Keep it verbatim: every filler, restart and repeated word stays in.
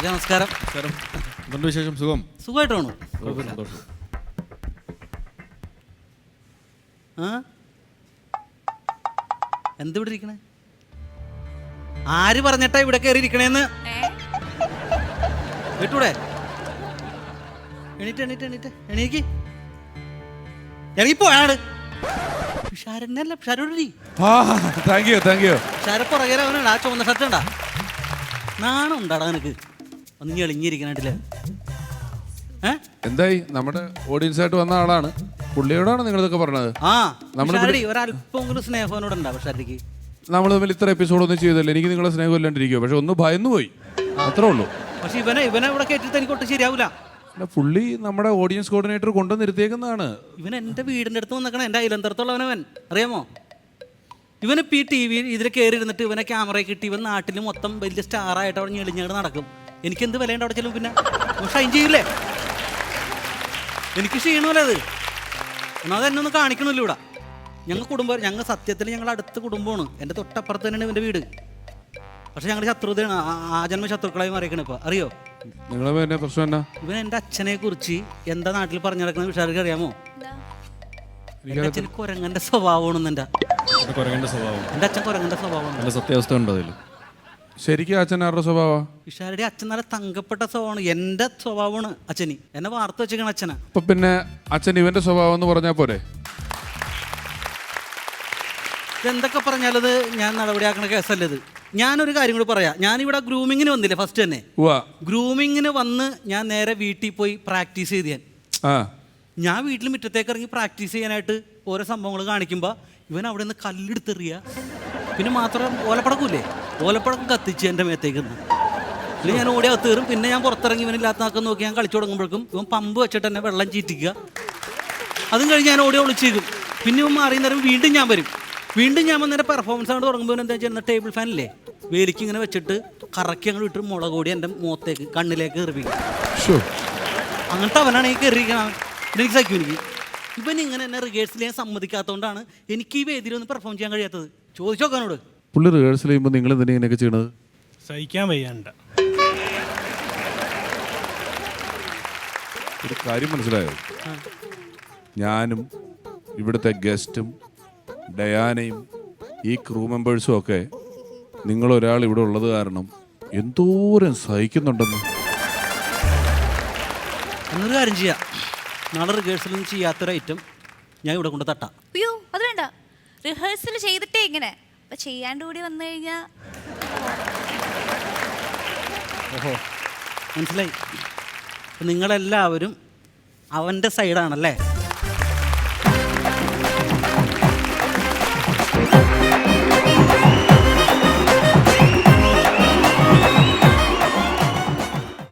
നമസ്കാരം. നമസ്കാരം. എന്തുണ്ട് വിശേഷം? സുഖം? സുഖമായിട്ടാണോ? സന്തോഷം. ആ എന്ത് ഇവിടെ ഇരിക്കണേ? ആര് പറഞ്ഞിട്ടാ ഇവിടെ കയറി ഇരിക്കണേന്ന്? കേട്ടൂടെ? എണീറ്റ് എണീറ്റ് എണീറ്റ് എണീക്ക്. ഇറങ്ങിപ്പോയാണ് ഷാരനല്ല ഷാരോടി. Thank you thank you. Shara പുറകെ അവനാണ്. ആ ചുവന്ന ഷർട്ട് ഉണ്ടാ? നാണം ഉണ്ടാടാ നിനക്ക്? ഒന്ന് എളിഞ്ഞിരിക്കണായിട്ടില്ലേ? എന്തായി? നമ്മുടെ ഓഡിയൻസ് ആയിട്ട് വന്ന ആളാണ്. പുള്ളിയോടാണ് നിങ്ങൾ ഇതൊക്കെ പറഞ്ഞത്? ആ ഷാരടി ഒരല്പമെങ്കിലും സ്നേഹവനോട് ഉണ്ടാവും ഷാരടിക്ക്. നമ്മൾ തമ്മിൽ ഇത്ര എപ്പിസോഡ് ഒന്നും ചെയ്തല്ലേ, എനിക്ക് നിങ്ങളെ സ്നേഹം ഇല്ലാണ്ടിരിക്കുമോ? പക്ഷെ ഒന്ന് ഭയന്നു പോയി, അത്രേ ഉള്ളൂ. പക്ഷെ ഇവനെ ഇവനെ ഇവിടെ കേട്ടിട്ട് എനിക്ക് ഒട്ടും ശരിയാവില്ല. പുള്ളി നമ്മുടെ ഓഡിയൻസ് കോർഡിനേറ്റർ കൊണ്ടു നിർത്തിയേക്കുന്നതാണ്. ഇവൻ എൻ്റെ വീടിൻ്റെ അടുത്ത് വന്നിക്കണ, എൻ്റെ അയലന്തരത്തുള്ളവനവൻ, അറിയാമോ? ഇവനിപ്പോൾ ഈ ടി വി ഇതിൽ കയറി ഇരുന്നിട്ട് ഇവനെ ക്യാമറയിൽ കിട്ടി ഇവൻ നാട്ടിൽ മൊത്തം വലിയ സ്റ്റാറായിട്ട് അവിടെ ഞെളിഞ്ഞാട് നടക്കും. എനിക്കെന്ത് വിലയുണ്ട് അവിടെ ചെല്ലും? പിന്നെ ഷൈൻ ചെയ്യില്ലേ? എനിക്ക് ക്ഷീണമല്ലേ അത്? എന്നാൽ അതെന്നെ ഒന്ന് കാണിക്കണമല്ലോ ഇവിടെ. ഞങ്ങൾ കുടുംബം, ഞങ്ങൾ സത്യത്തിൽ ഞങ്ങൾ അടുത്ത കുടുംബമാണ്. എൻ്റെ തൊട്ടപ്പുറത്ത് തന്നെയാണ് ഇവൻ്റെ വീട്. പക്ഷെ ഞങ്ങൾ ശത്രുതയാണ്, ആജന്മ ശത്രുക്കളായി മാറിയേക്കണ. ഇപ്പോൾ അറിയോ നിങ്ങളെ പ്രശ്നം എന്നാ? ഇവൻ എൻ്റെ അച്ഛനെ കുറിച്ച് എന്താ നാട്ടിൽ പറഞ്ഞു നടക്കുന്ന വിഷാർക്ക് അറിയാമോ? എൻ്റെ അച്ഛന് കുരങ്ങൻ്റെ സ്വഭാവമാണ്. എൻ്റെ കുരങ്ങന്റെ സ്വഭാവം? എൻ്റെ അച്ഛൻ കുരങ്ങൻ്റെ സ്വഭാവമാണ്. നല്ല സത്യാവസ്ഥ ഉണ്ടോ അതിൽ? ശരിക്കും അച്ഛൻ ആരുടെ സ്വഭാവം? വിഷാരുടെ അച്ഛൻ നല്ല തങ്കപ്പെട്ട സ്വഭാവമാണ്. എൻ്റെ സ്വഭാവമാണ് അച്ഛന്. എന്നെ വാർത്ത വെച്ചേക്കണ അച്ഛനാ. അപ്പൊ പിന്നെ അച്ഛൻ ഇവന്റെ സ്വഭാവം എന്ന് പറഞ്ഞാൽ പോരെ? എന്തൊക്കെ പറഞ്ഞാലത് ഞാൻ നടപടിയാക്കണ കേസല്ലത്. ഞാനൊരു കാര്യം കൂടി പറയാം. ഞാനിവിടെ ഗ്രൂമിങ്ങിന് വന്നില്ലേ ഫസ്റ്റ് തന്നെ? ഗ്രൂമിങ്ങിന് വന്ന് ഞാൻ നേരെ വീട്ടിൽ പോയി പ്രാക്ടീസ് ചെയ്ത് ഞാൻ ഞാൻ വീട്ടിൽ മുറ്റത്തേക്ക് ഇറങ്ങി പ്രാക്ടീസ് ചെയ്യാനായിട്ട് ഓരോ സംഭവങ്ങൾ കാണിക്കുമ്പോൾ ഇവൻ അവിടെ നിന്ന് കല്ലെടുത്തെറിയുക. പിന്നെ മാത്രം ഓലപ്പടക്കൂല്ലേ, ഓലപ്പടക്കം കത്തിച്ച് എൻ്റെ മേത്തേക്ക് നിന്ന്. പിന്നെ ഞാൻ ഓടി അകത്ത് കയറും. പിന്നെ ഞാൻ പുറത്തിറങ്ങി ഇവനില്ലാത്താക്കാൻ നോക്കി ഞാൻ കളിച്ചു തുടങ്ങുമ്പോഴേക്കും ഇവൻ പമ്പ് വെച്ചിട്ട് എന്നെ വെള്ളം ചീറ്റിക്കുക. അതും കഴിഞ്ഞ് ഞാൻ ഓടി ഒളിച്ചേക്കും. പിന്നെ ഇവൻ മാറി നേരം വീണ്ടും ഞാൻ വരും. വീണ്ടും ഞാൻ വന്നേരം പെർഫോമൻസ് ആണ് തുടങ്ങുമ്പോൾ എന്താ ചെയ്യുന്ന ടേബിൾ ഫാനില്ലേ, വേലിക്ക് ഇങ്ങനെ വെച്ചിട്ട് കറക്കി അങ്ങോട്ട് ഇട്ട് മുളക് കൂടി എൻ്റെ മുഖത്തേക്ക് കണ്ണിലേക്ക് എറിവിക്കും. അങ്ങനത്തെ അവനാണ് ഈ കയറിയിരിക്കണം. എനിക്ക് സഹിക്കും. എനിക്ക് ഇവൻ ഇങ്ങനെ എന്നെ റിഹേഴ്സൽ ചെയ്യാൻ സമ്മതിക്കാത്തതുകൊണ്ടാണ് എനിക്ക് ഈ വേദിയിൽ ഒന്ന് പെർഫോം ചെയ്യാൻ കഴിയാത്തത്. ചോദിച്ചു നോക്കാനോട്. പുള്ളി റിഹേഴ്സൽ ചെയ്യുമ്പോൾ നിങ്ങൾ എന്തിനാ ഇങ്ങനെയൊക്കെ ചെയ്യണത്? സഹിക്കാൻ വയ്യാണ്ട. ഒരു കാര്യം മനസ്സിലായോ? ഞാനും ഇവിടുത്തെ ഗസ്റ്റും ഡയാനയും ഈ ക്രൂ മെമ്പേഴ്സും ഒക്കെ നിങ്ങളൊരാൾ ഇവിടെ ഉള്ളത് കാരണം എന്തോരം സഹിക്കുന്നുണ്ടെന്ന്. എന്നൊരു കാര്യം ചെയ്യാം, നാളെ റിഹേഴ്സലൊന്നും ചെയ്യാത്തൊരു ഐറ്റം ഞാൻ ഇവിടെ കൊണ്ട് തട്ടാം. അയ്യോ അത് വേണ്ട, റിഹേഴ്സൽ ചെയ്തിട്ടേ ഇങ്ങനെ അപ്പം ചെയ്യാണ്ട് കൂടി വന്നു കഴിഞ്ഞാൽ. ഓഹോ മനസ്സിലായി. നിങ്ങളെല്ലാവരും അവൻ്റെ സൈഡാണല്ലേ?